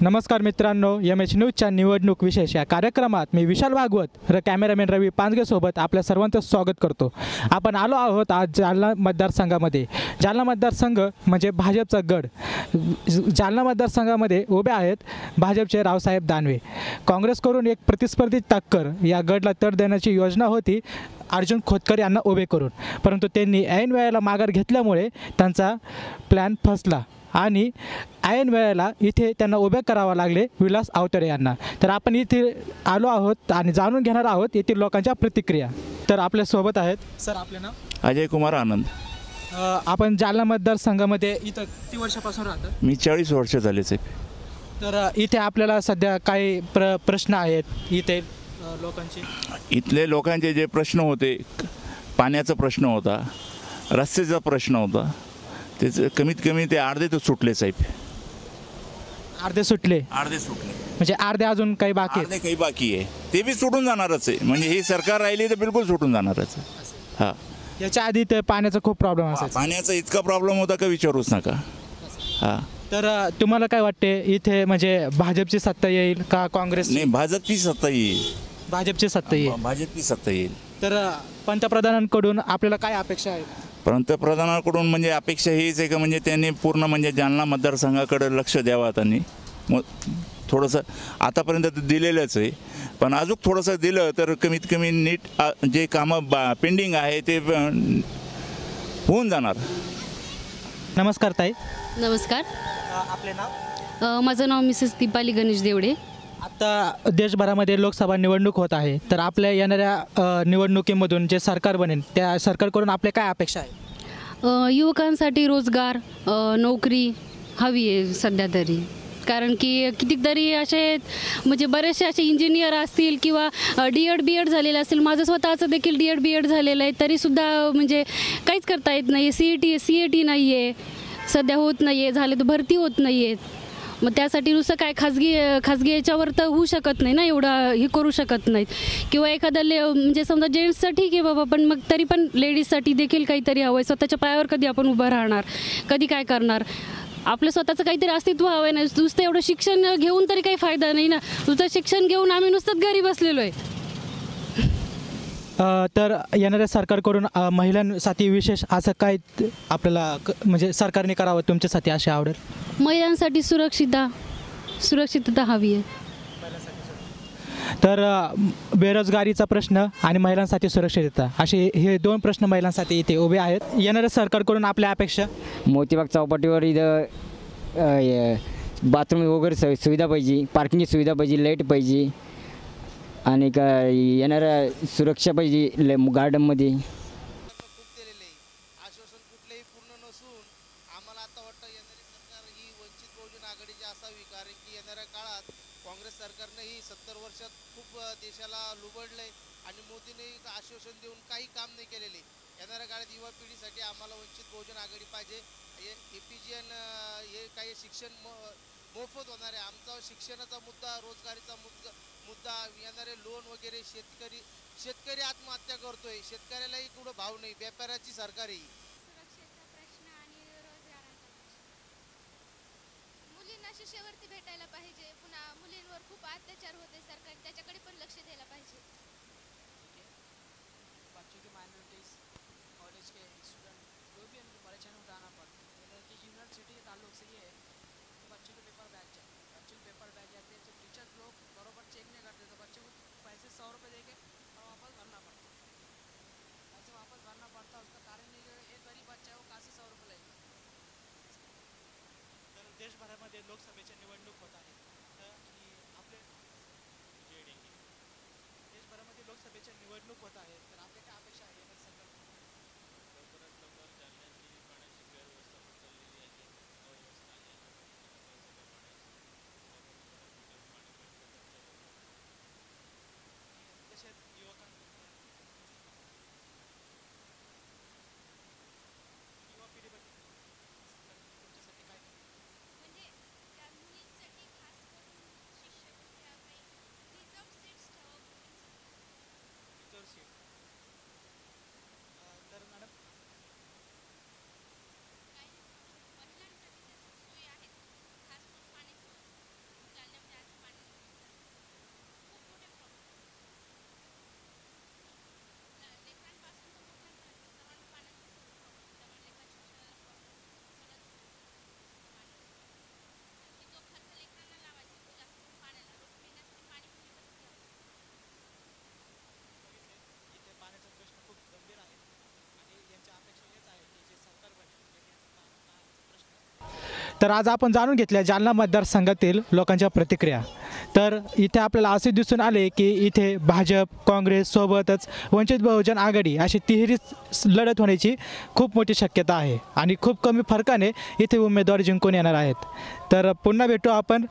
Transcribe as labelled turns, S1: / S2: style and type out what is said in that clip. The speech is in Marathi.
S1: नमस्कार मित्रांनो, एम.एच. न्यूजच्या निवडणूक विशेष या कार्यक्रमात मी विशाल भागवत व कॅमेरामॅन रवी पांजगेसोबत आपल्या सर्वांचं स्वागत करतो. आपण आलो आहोत आज जालना मतदारसंघामध्ये. जालना मतदारसंघ म्हणजे भाजपचा गड. जालना मतदारसंघामध्ये उभे आहेत भाजपचे रावसाहेब दानवे. काँग्रेसकडून एक प्रतिस्पर्धी टक्कर या गडला तड देण्याची योजना होती अर्जुन खोतकर यांना उभे करून, परंतु त्यांनी ऐन वेळेला माघार घेतल्यामुळे त्यांचा प्लॅन फसला आणि ऐन वेळेला इथे त्यांना उभे करावं लागले विलास आवतडे यांना. तर आपण इथे आलो आहोत आणि जाणून घेणार आहोत येथील लोकांच्या प्रतिक्रिया. तर आपल्यासोबत आहेत सर, आपले नाव?
S2: अजय कुमार आनंद.
S1: आपण जालना मतदारसंघामध्ये इथं किती वर्षापासून राहतात?
S2: मी 40 वर्ष झाले साहेब.
S1: तर इथे आपल्याला सध्या काही प्रश्न आहेत इथे लोकांचे.
S2: इथले लोकांचे जे प्रश्न होते, पाण्याचा प्रश्न होता, रस्त्याचा प्रश्न होता, त्याचं कमीत कमी ते अर्धे तर सुटले साहेब.
S1: अर्धे सुटले?
S2: अर्धे सुटले
S1: म्हणजे अर्धे अजून काही बाकी आहेत?
S2: अर्धे काही बाकी आहे, ते बी सुटून जाणारच आहे. म्हणजे ही सरकार राहिली तर बिलकुल सुटून जाणारच आहे. हां,
S1: याच्या आधी ते पाण्याचा खूप प्रॉब्लेम असायचा.
S2: पाण्याचा इतका प्रॉब्लेम होता का विचारूच नका. हां,
S1: तर तुम्हाला काय वाटते इथे म्हणजे भाजपची सत्ता येईल का काँग्रेस?
S2: नाही, भाजपची सत्ता येईल.
S1: भाजपची सत्ता येईल.
S2: भाजपची सत्ता येईल.
S1: तर पंतप्रधानांकडून आपल्याला काय अपेक्षा आहे?
S2: पंतप्रधानांकडून म्हणजे अपेक्षा हीच आहे का म्हणजे त्यांनी पूर्ण म्हणजे जालना मतदारसंघाकडे लक्ष द्यावं. त्यांनी मग थोडंसं आतापर्यंत तर दिलेलंच आहे, पण अजून थोडंसं दिलं तर कमीत कमी नीट जे कामं पेंडिंग आहे ते होऊन जाणार.
S1: नमस्कार ताई.
S3: नमस्कार.
S1: आपले नाव?
S3: माझं नाव मिसेस दीपाली गणेश देवडे.
S1: आता देशभरामध्ये लोकसभा निवडणूक होत आहे, तर आपल्या येणाऱ्या निवडणुकीमधून जे सरकार बनेल त्या सरकारकडून आपल्या काय अपेक्षा आहे?
S3: युवकांसाठी रोजगार, नोकरी हवी आहे सध्या तरी. कारण की कितीतरी असे म्हणजे बरेचसे असे इंजिनियर असतील किंवा डी.एड. बी.एड. झालेलं असेल. माझं स्वतःचं देखील डी.एड. बी.एड. झालेलं आहे, तरीसुद्धा म्हणजे काहीच करता येत नाही. सी.ए.टी. नाही आहे सध्या, होत नाही आहे, झाले तर भरती होत नाही आहेत. मग त्यासाठी नुसतं काय खाजगी याच्यावर तर होऊ शकत नाही ना, एवढं हे करू शकत नाहीत. किंवा एखादा म्हणजे समजा जेंट्सचं ठीक आहे बाबा, पण मग तरी पण लेडीजसाठी देखील काहीतरी हवं आहे. स्वतःच्या पायावर कधी आपण उभं राहणार, कधी काय करणार? आपलं स्वतःचं काहीतरी अस्तित्व हवं आहे ना. नुसतं एवढं शिक्षण घेऊन तरी काही फायदा नाही ना. नुसतं शिक्षण घेऊन आम्ही नुसतंच घरी बसलेलो आहे.
S1: तर येणाऱ्या सरकारकडून महिलांसाठी विशेष असं काय आपल्याला म्हणजे सरकारने करावं तुमच्यासाठी अशी आवडेल?
S3: महिलांसाठी सुरक्षितता हवी आहे.
S1: तर बेरोजगारीचा प्रश्न आणि महिलांसाठी सुरक्षितता असे हे दोन प्रश्न महिलांसाठी इथे उभे आहेत. येणाऱ्या सरकारकडून आपल्या अपेक्षा?
S4: मोतीबाग चौपाटीवर इथं बाथरूम वगैरे सुविधा पाहिजे, पार्किंगची सुविधा पाहिजे, लाईट पाहिजे आणि का येणाऱ्या सुरक्षा पाहिजे गार्डनमध्ये.
S5: खूप दिलेले आश्वासन कुठलेही पूर्ण नसून आम्हाला आता वाटतं येणारी सरकार ही वंचित बहुजन आघाडीची असावी. कारण की येणाऱ्या काळात काँग्रेस सरकारनेही 70 वर्षात खूप देशाला लुबडले आणि मोदींनी आश्वासन देऊन काही काम नाही केलेले. येणाऱ्या काळात युवा पिढीसाठी आम्हाला वंचित बहुजन आघाडी पाहिजे. APGN हे काही शिक्षण मोफत होणार आहे. आमचा शिक्षणाचा मुद्दा, रोजगारीचा मुद्दा, येणारे लोन वगैरे, शेतकरी आत्महत्या करतोय, शेतकऱ्यालाही कुठं भाव नाही, व्यापाऱ्याची सरकार आहे.
S6: सुरक्षेचा प्रश्न आणि रोजगारांचा प्रश्न. मुलींना शिष्यवृत्ती भेटायला पाहिजे. पुन्हा मुलींवर खूप अत्याचार होते, सरकार त्याच्याकडे पण लक्ष द्यायला पाहिजे.
S7: बच्चों की माइनॉरिटीज़ कॉलेज के स्टूडेंट जो भी उनको परेशानी उठाना पड़ता है, कि यूनिवर्सिटी के ताल्लुक से ये है कि बच्चों के पेपर बैठ जाए, बच्चों के पेपर बैठ जाते हैं तो टीचर लोग बराबर चेक नहीं करते, तो बच्चे को पैसे 100 रुपये दे के और वापस भरना पड़ता है. पैसे वापस भरना पड़ता है. उसका कारण ये एक गरीब बच्चा है वो कहाँ से 100 रुपये लेगा.
S1: तर देशभरामध्ये लोकसभेची निवडणूक होत आहे, तर आपले देशभरामध्ये लोकसभेची निवडणूक होत आहे, तर आपल्या काय अपेक्षा आहे येणाऱ्या सरकारकडून?
S8: लवकरात लवकर जालन्याची पाण्याची गैरव्यवस्था होत चाललेली आहे. अव्यवस्था आहे सगळं पाण्याची
S1: तसेच युवा पिढीबद्दल तुमच्यासाठी काय
S6: म्हणजे त्या मुलींसाठी खास करून शिष्यवृत्त्या काही रिझर्व सीट्स ठेवावं.
S1: रिझर्व सीट तर आज आपण जाणून घेतल्या जालना मतदारसंघातील लोकांच्या प्रतिक्रिया. तर इथे आपल्याला असे दिसून आले की इथे भाजप, काँग्रेस सोबतच वंचित बहुजन आघाडी अशी तिहेरी लढत होण्याची खूप मोठी शक्यता आहे आणि खूप कमी फरकाने इथे उमेदवार जिंकून येणार आहेत. तर पुन्हा भेटू आपण